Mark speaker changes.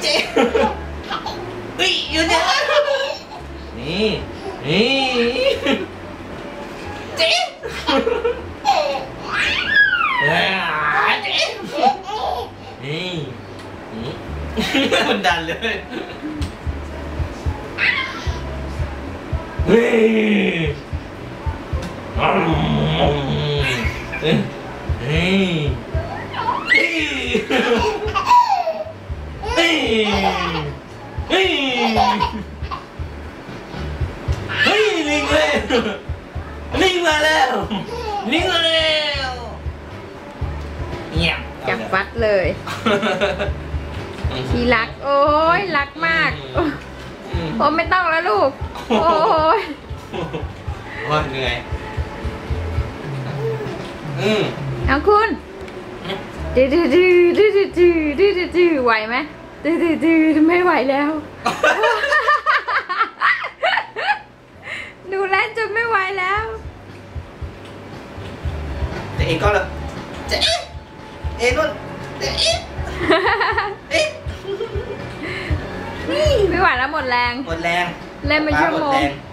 Speaker 1: เจ๊เฮ้ยอยู่เนี่ยนี่เจ๊เจ๊นี่มันดันเลยเฮ้ยเฮ้ยลิงเลยลิงมาแล้วลิงมาแล้วเงียบ
Speaker 2: จับฟัดเลยที่รักโอ้ยรักมากโอ้ไม่ต้องแล้วลูกโอ้ย
Speaker 1: เหนื่อย
Speaker 2: เอาคุณดื้อไหวไหมดื้อไม่ไหวแล้วดูแลจนไม่ไหวแล้ว
Speaker 1: เจ๊ก็เลยเจ๊นุ่นเจ๊
Speaker 2: ไม่ไหวแล้วหมดแรง
Speaker 1: เล่นไป
Speaker 2: ชั่วโมง